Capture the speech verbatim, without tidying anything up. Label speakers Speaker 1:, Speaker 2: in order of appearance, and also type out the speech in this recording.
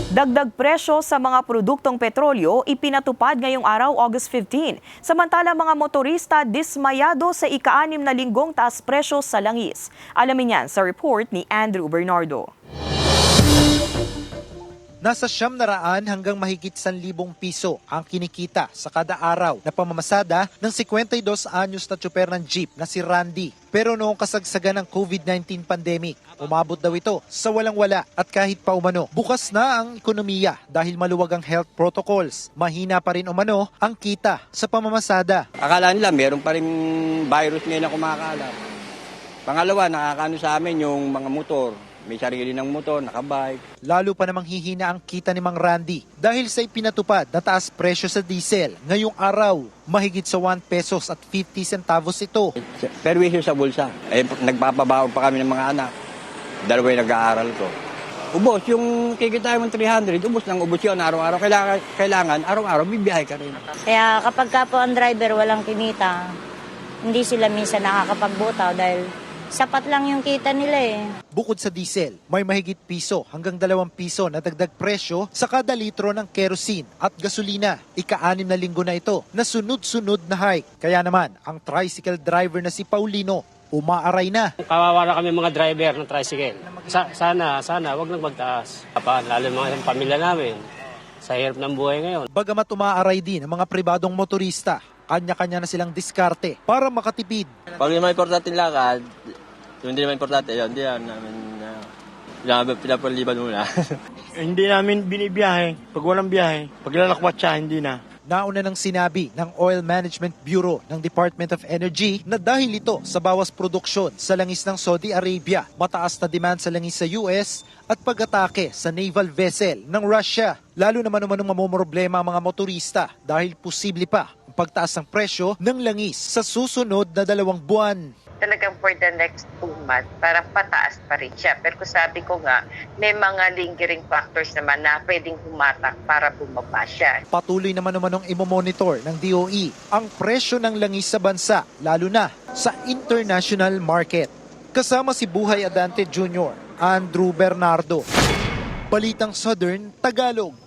Speaker 1: Dagdag presyo sa mga produktong petrolyo ipinatupad ngayong araw, August fifteenth. Samantala mga motorista dismayado sa ika-anim na linggong taas presyo sa langis. Alamin yan sa report ni Andrew Bernardo.
Speaker 2: Nasa siyam na raan hanggang mahigit san libong piso ang kinikita sa kada araw na pamamasada ng singkwenta y dos anyos na tsuper ng jeep na si Randy. Pero noong kasagsagan ng COVID nineteen pandemic, umabot daw ito sa walang-wala at kahit pa umano, bukas na ang ekonomiya dahil maluwag ang health protocols. Mahina pa rin umano ang kita sa pamamasada.
Speaker 3: Akala nila meron pa rin virus ngayon na kumakalat. Pangalawa, nakakano sa amin yung mga motor. May sarili ng motor, nakabike.
Speaker 2: Lalo pa namang hihina ang kita ni Mang Randy dahil sa ipinatupad na taas presyo sa diesel. Ngayong araw, mahigit sa one pesos at fifty centavos ito.
Speaker 3: Perwisyo sa bulsa. Eh, nagpapabaon pa kami ng mga anak. Dalawa yung nag-aaral ko. Ubos, yung kikita mo three hundred, ubos ng ubos yun araw-araw. Kailangan, kailangan araw-araw, bibiyahe ka rin.
Speaker 4: Kaya kapag ka po ang driver walang kinita, hindi sila minsan nakakapagbutaw dahil sapat lang yung kita nila eh.
Speaker 2: Bukod sa diesel, may mahigit piso hanggang dalawang piso na dagdag presyo sa kada litro ng kerosene at gasolina. Ika-anim na linggo na ito na sunod-sunod na hike. Kaya naman, ang tricycle driver na si Paulino, umaaray na.
Speaker 5: Kawawa na kami mga driver ng tricycle. Sa, sana, sana, wag nang magtaas. Pa, lalo mga pamilya namin, sa hirap ng buhay ngayon.
Speaker 2: Bagamat umaaray din ang mga pribadong motorista, kanya-kanya na silang diskarte para makatipid.
Speaker 6: Pag yung may importante lakad, yung hindi naman importante, yun, hindi yan namin uh, pinapaliban muna.
Speaker 7: Hindi namin binibiyahe. Pag walang biyahe, pag lalakwat siya, hindi na.
Speaker 2: Nauna nang sinabi ng Oil Management Bureau ng Department of Energy na dahil ito sa bawas produksyon sa langis ng Saudi Arabia, mataas na demand sa langis sa U S at pag-atake sa naval vessel ng Russia. Lalo naman umanong mamomroblema ang mga motorista dahil posible pa ang pagtaas ng presyo ng langis sa susunod na dalawang buwan.
Speaker 8: Talagang for the next two months, parang pataas pa rin siya. Pero kung sabi ko nga, may mga lingering factors naman na pwedeng humatak para bumaba siya.
Speaker 2: Patuloy naman umanong imomonitor ng D O E ang presyo ng langis sa bansa, lalo na sa international market. Kasama si Buhay Adante Junior, Andrew Bernardo. Balitang Southern Tagalog.